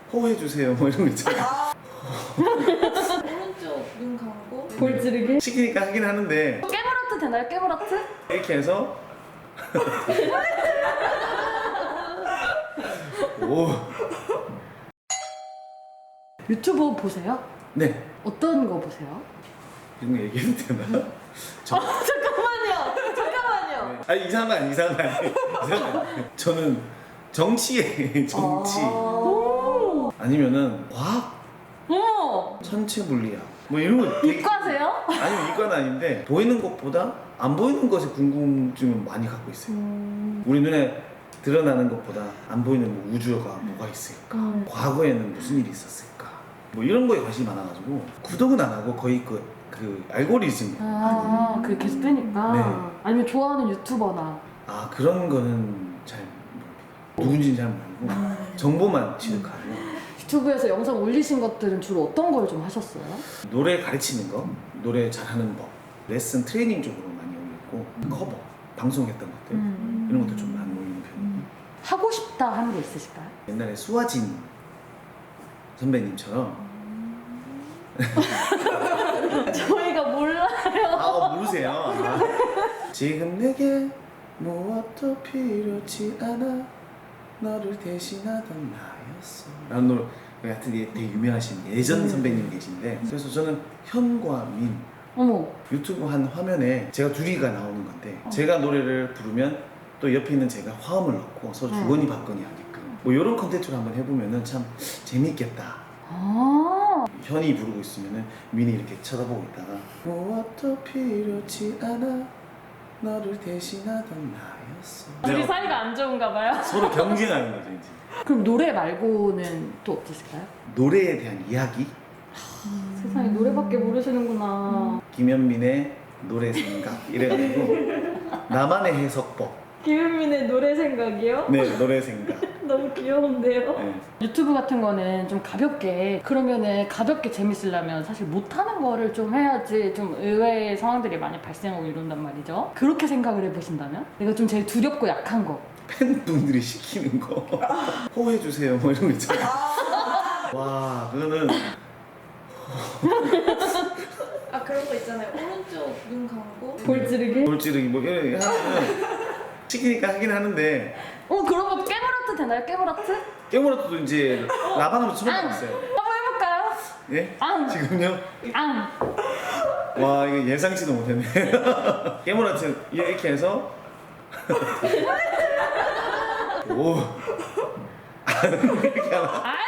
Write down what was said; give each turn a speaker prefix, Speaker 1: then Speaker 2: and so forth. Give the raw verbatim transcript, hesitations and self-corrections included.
Speaker 1: 호해주세요 뭐 이런 거 있잖아.
Speaker 2: 오른쪽 눈 감고
Speaker 3: 볼 찌르기?
Speaker 1: 시키니까 하긴 하는데
Speaker 3: 깨물어트 되나요? 깨물어트?
Speaker 1: 이렇게 해서 오.
Speaker 3: 유튜브 보세요?
Speaker 1: 네.
Speaker 3: 어떤 거 보세요?
Speaker 1: 이런 거 얘기해도 되나? 저,
Speaker 3: 아, 잠깐만요. 잠깐만요.
Speaker 1: 아니 이상한 거 아니 이상한 거 아니 이상한 거 아니. 저는 정치에 정치
Speaker 3: 아~
Speaker 1: 아니면은 과학,
Speaker 3: 어머!
Speaker 1: 천체 물리학 뭐 이런 거 되게-
Speaker 3: 이과세요?
Speaker 1: 아니면 이과는 아닌데 보이는 것보다 안 보이는 것에 궁금증을 많이 갖고 있어요.
Speaker 3: 음...
Speaker 1: 우리 눈에 드러나는 것보다 안 보이는 뭐 우주가 뭐가 있을까?
Speaker 3: 음.
Speaker 1: 과거에는 무슨 일이 있었을까? 뭐 이런 거에 관심이 많아가지고 구독은 안 하고 거의 그, 그 알고리즘
Speaker 3: 아, 그게 계속 뜨니까?
Speaker 1: 네.
Speaker 3: 아니면 좋아하는 유튜버나
Speaker 1: 아 그런 거는 잘 모릅니다. 누군지는 잘 모르고 정보만 취득하고
Speaker 3: 유튜브에서 영상 올리신 것들은 주로 어떤 걸 좀 하셨어요?
Speaker 1: 노래 가르치는 거, 노래 잘하는 법, 레슨 트레이닝 쪽으로 많이 올렸고 커버, 방송했던 것들
Speaker 3: 음.
Speaker 1: 이런 것도 좀 많이 올리는 편이에요.
Speaker 3: 하고 싶다 하는 거 있으실까요?
Speaker 1: 옛날에 수아진 선배님처럼
Speaker 3: 저희가 몰라요.
Speaker 1: 아 어, 모르세요? 아. 지금 내게 무엇도 필요치 않아 너를 대신하던 나였어 라는 노래 같은 게 되게 유명하신 예전 선배님이 계신데 그래서 저는 현과 민
Speaker 3: 어머.
Speaker 1: 유튜브 한 화면에 제가 둘이가 나오는 건데
Speaker 3: 어.
Speaker 1: 제가 노래를 부르면 또 옆에 있는 제가 화음을 넣고 서로 주거니 받거니 하게끔 뭐 이런 컨텐츠를 한번 해보면은 참 재밌겠다.
Speaker 3: 아.
Speaker 1: 현이 부르고 있으면은 민이 이렇게 쳐다보고 있다가 무엇도 필요치 않아 너를 대신하던 나였어.
Speaker 3: 둘이 사이가 안 좋은가 봐요.
Speaker 1: 서로 경쟁하는 거죠 이제.
Speaker 3: 그럼 노래 말고는 또 없으실까요?
Speaker 1: 노래에 대한 이야기.
Speaker 3: 세상에 노래밖에 모르시는구나.
Speaker 1: 김현민의 노래 생각 이래가지고 나만의 해석법.
Speaker 3: 김은민의 노래 생각이요?
Speaker 1: 네 노래 생각.
Speaker 3: 너무 귀여운데요?
Speaker 1: 네.
Speaker 3: 유튜브 같은 거는 좀 가볍게 그러면은 가볍게 재밌으려면 사실 못하는 거를 좀 해야지 좀 의외의 상황들이 많이 발생하고 이런단 말이죠. 그렇게 생각을 해보신다면? 내가 좀 제일 두렵고 약한 거.
Speaker 1: 팬분들이 시키는 거 호해주세요 뭐 이런 거 있잖아. 와 그거는
Speaker 2: 아 그런 거 있잖아요. 오른쪽 눈 감고
Speaker 3: 볼 찌르기?
Speaker 1: 돌찌르기 뭐 이런 거 하면 시키니까 하긴 하는데
Speaker 3: 어 그런 거 깨물어트 되나요? 깨물어트?
Speaker 1: 깨물어도 이제 라방으로 처음 해봤어요.
Speaker 3: 한번 해볼까요?
Speaker 1: 예?
Speaker 3: 앙!
Speaker 1: 지금요?
Speaker 3: 앙!
Speaker 1: 와 이거 예상치도 못했네. 깨물어트 이렇게 해서 오 이렇게 하나
Speaker 3: 아